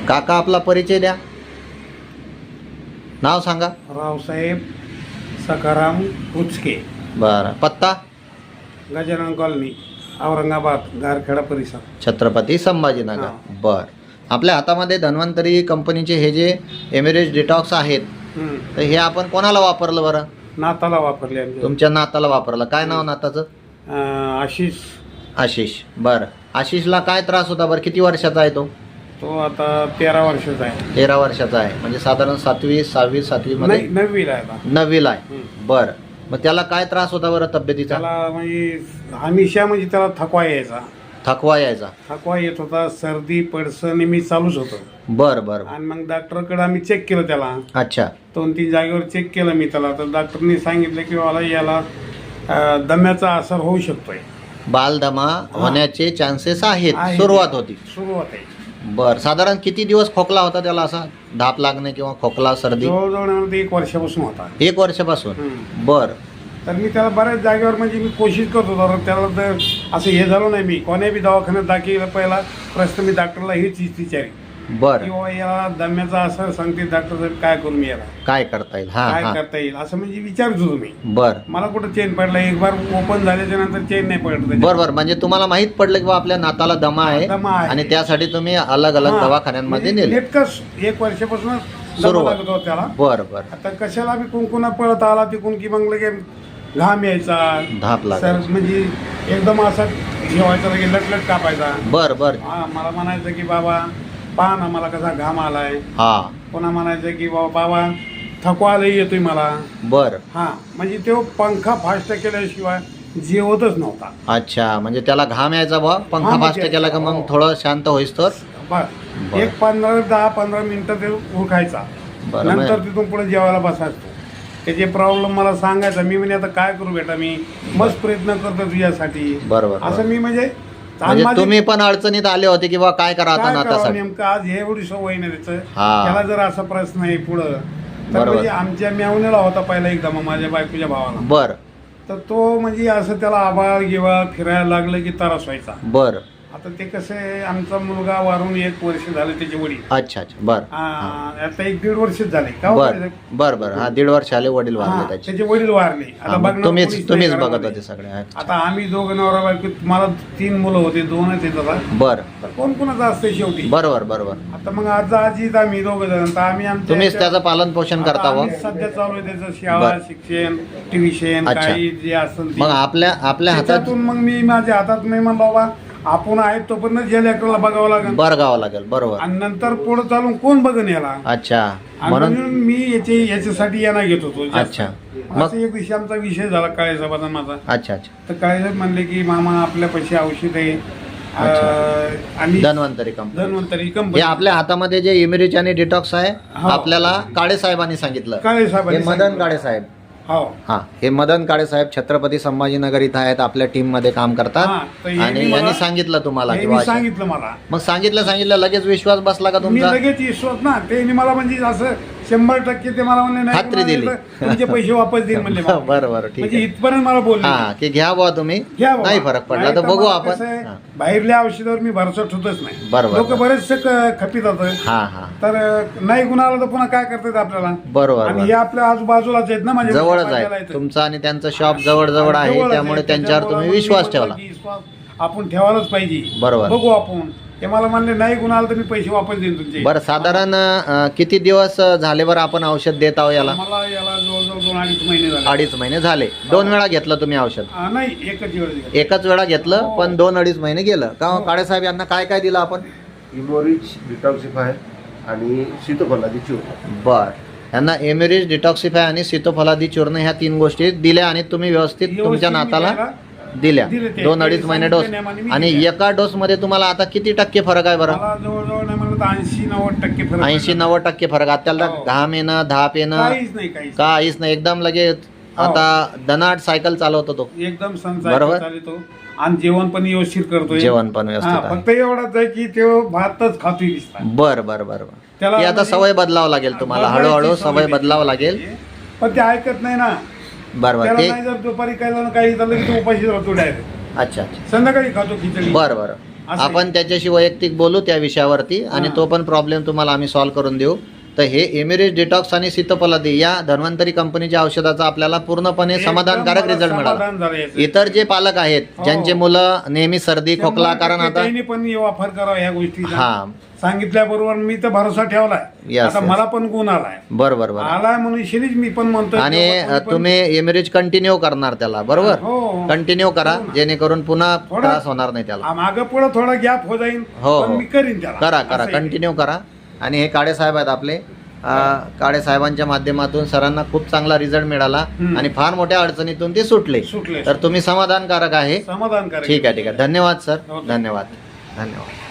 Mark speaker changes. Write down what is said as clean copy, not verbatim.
Speaker 1: काका आपला परिचय द्या, नाव सांगा.
Speaker 2: रावसाहेब सखाराम उचके,
Speaker 1: बरं. पत्ता
Speaker 2: गजानन कॉलनी, औरंगाबाद, गारखेडा परिसर,
Speaker 1: छत्रपती संभाजीनगर. बर. आपल्या हातामध्ये धन्वंतरी कंपनीचे हे जे एमिरेज डिटॉक्स आहेत, तर हे आपण कोणाला वापरलं बरं?
Speaker 2: नाताला वापरले आमच्या.
Speaker 1: तुमच्या नाताला वापरलं. काय नाव नाताचं?
Speaker 2: आशिष.
Speaker 1: आशिष. बरं. आशिषला काय त्रास होता बरं? किती वर्षाचा आहे तो?
Speaker 2: तो आता 13 वर्षाचा आहे.
Speaker 1: 13 वर्षाचा आहे, म्हणजे साधारण 7वी 6वी 7वी मध्ये
Speaker 2: नाही, 9वीला आहे आता.
Speaker 1: 9वीला आहे. बरं. मग त्याला काय त्रास होता बरं तब्येतीचा?
Speaker 2: त्याला म्हणजे हमेशा म्हणजे त्याला थकवा यायचा.
Speaker 1: थकवा यायचा.
Speaker 2: थकवा येत होता, सर्दी पडसं नेहमी चालूच होतं.
Speaker 1: बरं बरं.
Speaker 2: आणि मग डॉक्टरकडे आम्ही चेक केलं त्याला.
Speaker 1: अच्छा.
Speaker 2: 2-3 जागेवर चेक केलं मी त्याला, तर डॉक्टरनी सांगितलं की मला याला दम्याचा असर होऊ शकतोय.
Speaker 1: बालदमा होण्याचे चान्सेस आहेत. सुरुवात होती.
Speaker 2: सुरुवात आहे.
Speaker 1: बर. साधारण किती दिवस खोकला होता त्याला, असा धाप लागणे किंवा खोकला सर्दी?
Speaker 2: जवळजवळ 1 वर्षापासून होता.
Speaker 1: 1 वर्षापासून. बर.
Speaker 2: तर मी त्याला बऱ्याच जागेवर म्हणजे मी कोशिश करत होतो, तर त्याला तर असं हे झालं नाही. मी कोण्या बी दवाखान्यात दाखल पहिला प्रश्न मी डॉक्टरला हीच विचारी
Speaker 1: बर.
Speaker 2: किंवा याला दम्याचा असर सांगते डॉक्टर साहेब, काय करू मी याला,
Speaker 1: काय करता येईल? हा
Speaker 2: काय
Speaker 1: हा.
Speaker 2: करता येईल असं म्हणजे विचारत होतो मी.
Speaker 1: बर
Speaker 2: मला कुठं चेन पडला, एक बार ओपन झाल्याच्या नंतर चेन नाही पडलं.
Speaker 1: बर. माहित तुम्हाला माहित पडलं की बा आपल्या नाताला दमा आहे आणि त्यासाठी तुम्ही अलग अलग दवाखान्यांमध्ये नेले.
Speaker 2: नेटकंच 1 वर्षापासून
Speaker 1: सुरू
Speaker 2: लागत होता त्याला.
Speaker 1: बर बर.
Speaker 2: आता कशाला बी कुंकुना पळत आला तिकून की मग लगे घाम यायचा,
Speaker 1: धाप
Speaker 2: सर
Speaker 1: लागायची.
Speaker 2: म्हणजे एकदम असा जेवायचा लगे लटलट कापायचा.
Speaker 1: बर बर.
Speaker 2: मला म्हणायचं की बाबा पहा ना मला कसा घाम आलाय.
Speaker 1: हा.
Speaker 2: पुन्हा म्हणायचं की बाबा थकवा लई येतोय मला.
Speaker 1: बर.
Speaker 2: हा म्हणजे तो पंखा फास्ट केल्याशिवाय जेवतच नव्हता.
Speaker 1: अच्छा, म्हणजे त्याला घाम यायचा बा, पंखा फास्ट केला का मग थोडं शांत होईस तर.
Speaker 2: बस एक 10-15 मिनिटं ते उरखायचा.
Speaker 1: बरं.
Speaker 2: नंतर तिथून पुढे जेवायला बसायचो. त्याचे प्रॉब्लेम मला सांगायचा. मी म्हणजे आता काय करू बेटा, मी मस्त प्रयत्न करतो तुझ्यासाठी.
Speaker 1: बरोबर.
Speaker 2: असं मी म्हणजे
Speaker 1: तुम्ही पण अडचणीत आले होते की बा काय करा आता नातासाठी.
Speaker 2: नेमकं आज हे एवढी सवय नाही त्याचं.
Speaker 1: हा.
Speaker 2: त्याला जर असा प्रश्न आहे पुढं तर
Speaker 1: बरोबर.
Speaker 2: म्हणजे आमच्या मेवण्याला होता पहिला एकदा माझ्या बायकोच्या भावाला.
Speaker 1: बर.
Speaker 2: तर तो म्हणजे असं त्याला आबाळ गिवाळ फिरायला लागलं की त्रास व्हायचा.
Speaker 1: बर.
Speaker 2: आता ते कसं आहे, आमचा मुलगा वारून 1 वर्ष झालं, त्याचे वडील.
Speaker 1: अच्छा अच्छा. बर.
Speaker 2: आता 1-1.5 वर्ष झाले का.
Speaker 1: बर बर बर. हा, 1.5 वर्ष आले वडील वारले त्याचे.
Speaker 2: त्याचे वडील वारले. आता बघणार
Speaker 1: तुम्हीच
Speaker 2: कोणीच
Speaker 1: तुम्हीच
Speaker 2: नाही
Speaker 1: बघत
Speaker 2: घरामध्ये.
Speaker 1: होते सगळे. अच्छा.
Speaker 2: आता आम्ही दोघं नवरा बायको, मला 3 मुलं होते, 2च आहेत आता.
Speaker 1: बर.
Speaker 2: तर कोण कोणाचं असते शेवटी.
Speaker 1: बरोबर बरोबर.
Speaker 2: आता मग आजीत आम्ही दोघं जण, तर आम्ही आमच्या
Speaker 1: तुम्हीच त्याचं पालन पोषण
Speaker 2: आता
Speaker 1: करता व.
Speaker 2: आम्ही सध्या चालू आहे त्याचं शाळा,
Speaker 1: बर.
Speaker 2: शिक्षण, ट्युशन,
Speaker 1: अच्छा.
Speaker 2: काही जे असेल ते.
Speaker 1: मग आपल्या हातात
Speaker 2: त्याच्यातून मग मी माझ्या हातात नाही म्हणलं बाबा आपण आहेत तोपर्यंत जे लेकराला बघावं लागेल.
Speaker 1: बरगावं लागेल. बरोबर.
Speaker 2: आणि नंतर पुढे चालून कोण बघन याला.
Speaker 1: अच्छा.
Speaker 2: आणि
Speaker 1: म्हणून
Speaker 2: म्हणून मी याच्यासाठी यांना घेत होतो जास्त.
Speaker 1: अच्छा. मग
Speaker 2: असं एक दिवशी आमचा विषय झाला काळेसाहेबाचा माझा.
Speaker 1: अच्छा अच्छा.
Speaker 2: तर काळेसाहेब म्हणले की मामा आपल्या पैसे औषध आहे आणि
Speaker 1: धन्वंतरी कंपनी.
Speaker 2: धन्वंतरी
Speaker 1: हे
Speaker 2: कंपनी.
Speaker 1: आपल्या हातामध्ये जे इमिरिच आणि डिटॉक्स आहे,
Speaker 2: हो.
Speaker 1: आपल्याला काळे साहेबांनी सांगितलं. हे
Speaker 2: काळेसाहेबांनी
Speaker 1: मदन
Speaker 2: सांगितलं.
Speaker 1: काळे साहेब.
Speaker 2: हो.
Speaker 1: हा, हे मदन काळे साहेब छत्रपती संभाजीनगर इथं आहेत, आपल्या टीम मध्ये काम करतात.
Speaker 2: हा, तर हे
Speaker 1: आणि
Speaker 2: मी
Speaker 1: यांनी
Speaker 2: मला-
Speaker 1: सांगितलं तुम्हाला
Speaker 2: हे
Speaker 1: की
Speaker 2: मी
Speaker 1: बा-
Speaker 2: सांगितलं मला.
Speaker 1: मग सांगितलं लगेच विश्वास बसला का
Speaker 2: मी
Speaker 1: तुमचा?
Speaker 2: लगेच विश्वास ना, ते मला म्हणजे असं 100% ते मला म्हणले नाही
Speaker 1: खात्री दिली.
Speaker 2: तुमचे पैसे वापस देईल म्हणले मला.
Speaker 1: बरं बरं, ठीक
Speaker 2: म्हणजे
Speaker 1: आहे.
Speaker 2: इथपर्यंत मला बोलले.
Speaker 1: हा, की घ्या बुवा तुम्ही,
Speaker 2: घ्या बाबा.
Speaker 1: नाही फरक पडला
Speaker 2: नाही
Speaker 1: तर
Speaker 2: तर
Speaker 1: बघू
Speaker 2: मला
Speaker 1: आपण.
Speaker 2: कसं आहे,
Speaker 1: हा.
Speaker 2: बाहेरल्या औषधावर मी भरोसा ठेवतच नाही.
Speaker 1: बरोबर.
Speaker 2: लोक बरेचसे खपीत होतं.
Speaker 1: हा हा.
Speaker 2: तर नाही गुणाला तर पुन्हा काय करतात आपल्याला.
Speaker 1: बरोबर
Speaker 2: आणि
Speaker 1: बरोबर.
Speaker 2: हे आपल्या आजूबाजूलाच आहेत ना, म्हणजे
Speaker 1: जवळच
Speaker 2: बाजाराला
Speaker 1: आहे
Speaker 2: येतात.
Speaker 1: तुमचं आणि त्यांचं शॉप जवळ जवळ आहे,
Speaker 2: जवळच
Speaker 1: त्यामुळे
Speaker 2: आहे.
Speaker 1: त्यांच्यावर तुम्ही
Speaker 2: त्याच्यामुळे
Speaker 1: विश्वास
Speaker 2: मी
Speaker 1: ठेवला.
Speaker 2: म्हणतो की विश्वास आपण ठेवायलाच पाहिजे.
Speaker 1: बरोबर.
Speaker 2: बघू आपण. ते मला म्हणले नाही गुणाला तर मी पैसे वापस देईन तुमचे.
Speaker 1: बरं, साधारण किती दिवस झाले बरं आपण औषध देत आहो याला?
Speaker 2: मला याला जवळजवळ 2-2.5 महिने झाले.
Speaker 1: 2.5 महिने झाले. 2 वेळा घेतलं तुम्ही औषध?
Speaker 2: नाही, एकच वेळ.
Speaker 1: एकच वेळा घेतलं,
Speaker 2: हो.
Speaker 1: पण 2-2.5 महिने गेलं का? काळे साहेब यांना काय काय दिलं आपण?
Speaker 3: इमोरिच डिटॉक्सिफाय आणि सीतोफलादी चूर्ण.
Speaker 1: बर. यांना एमिरिज डिटॉक्सिफाय आणि सीतोफलादी चूर्ण ह्या 3 गोष्टी दिल्या आणि तुम्ही व्यवस्थित तुमच्या नाताला दिल्या.
Speaker 2: दिले ते.
Speaker 1: 2-2.5 महिने डोस. आणि एका डोस मध्ये तुम्हाला आता किती टक्के फरक आहे बरं?
Speaker 2: मला जवळजवळ नाही म्हणलं तर 80-90% फरक.
Speaker 1: 80-90% फरक. आता त्याला
Speaker 2: हो.
Speaker 1: घाम येणं, धाप येणं
Speaker 2: काहीच नाही,
Speaker 1: काहीच नाही, एकदम लगेच.
Speaker 2: हो.
Speaker 1: आता दनाट सायकल चालवतो तो.
Speaker 2: एकदम
Speaker 1: बरोबर.
Speaker 2: चालतो. आणि जेवण पण व्यवस्थित करतोय.
Speaker 1: जेवण पण व्यवस्थित
Speaker 2: हा,
Speaker 1: आहे.
Speaker 2: फक्त एवढाच आहे की तो भातच खातोय दिसता.
Speaker 1: बर बर बर बर.
Speaker 2: त्याला
Speaker 1: ती आता
Speaker 2: म्हणजे-
Speaker 1: सवय बदलावं लागेल तुम्हाला,
Speaker 2: बदलायची
Speaker 1: हळूहळू
Speaker 2: सवय
Speaker 1: सवय
Speaker 2: नाही.
Speaker 1: बदलावं लागेल.
Speaker 2: पण ते ऐकत नाही ना.
Speaker 1: बरोबर.
Speaker 2: त्याला
Speaker 1: ते
Speaker 2: नाही जर दुपारी काही झालं की तो उपाशी राहतो डायरेक्ट.
Speaker 1: अच्छा अच्छा.
Speaker 2: संध्याकाळी खातो खिचडी.
Speaker 1: बर बर.
Speaker 2: असं
Speaker 1: आपण त्याच्याशी वैयक्तिक बोलू त्या विषयावरती आणि
Speaker 2: हां.
Speaker 1: तो पण प्रॉब्लेम तुम्हाला आम्ही सॉल्व्ह करून देऊ. तर हे एमिरेज डिटॉक्स आणि सीतोपलादी या धन्वंतरी कंपनीच्या औषधाचा आपल्याला पूर्णपणे
Speaker 2: एकदम
Speaker 1: समाधानकारक
Speaker 2: मला
Speaker 1: रिझल्ट मिळाला.
Speaker 2: समाधान झालं याचं.
Speaker 1: इतर जे पालक आहेत
Speaker 2: हो.
Speaker 1: ज्यांचे मुलं नेहमी सर्दी खोकला, कारण आता
Speaker 2: त्यांनी पण वापर करावा ह्या गोष्टीचा.
Speaker 1: हा
Speaker 2: सांगितल्याबरोबर मी तर भरोसा ठेवलाय.
Speaker 1: Yes,
Speaker 2: आता
Speaker 1: yes.
Speaker 2: मला पण गुण आलाय
Speaker 1: बरोबर बरोबर.
Speaker 2: आलाय म्हणून शिरीज मी पण म्हणतो
Speaker 1: आणि तुम्ही एमिरेज कंटिन्यू करणार त्याला, बरोबर?
Speaker 2: हो
Speaker 1: कंटिन्यू करा
Speaker 2: हो ना.
Speaker 1: जेणेकरून पुन्हा
Speaker 2: थोडा-
Speaker 1: त्रास होणार नाही त्याला.
Speaker 2: मागं पुढं थोडा गॅप हो जाईल
Speaker 1: हो,
Speaker 2: पण
Speaker 1: हो.
Speaker 2: मी करीन त्याला.
Speaker 1: करा करा
Speaker 2: असं आहे.
Speaker 1: कंटिन्यू करा. आणि हे काळे साहेब आहेत आपले, काळे साहेबांच्या माध्यमातून सरांना खूप चांगला रिझल्ट मिळाला आणि फार मोठ्या अडचणीतून ते सुटले.
Speaker 2: सुटले
Speaker 1: तर तुम्ही समाधानकारक आहे.
Speaker 2: समाधान करा.
Speaker 1: ठीक आहे ठीक आहे. धन्यवाद सर,
Speaker 2: हो.
Speaker 1: धन्यवाद धन्यवाद.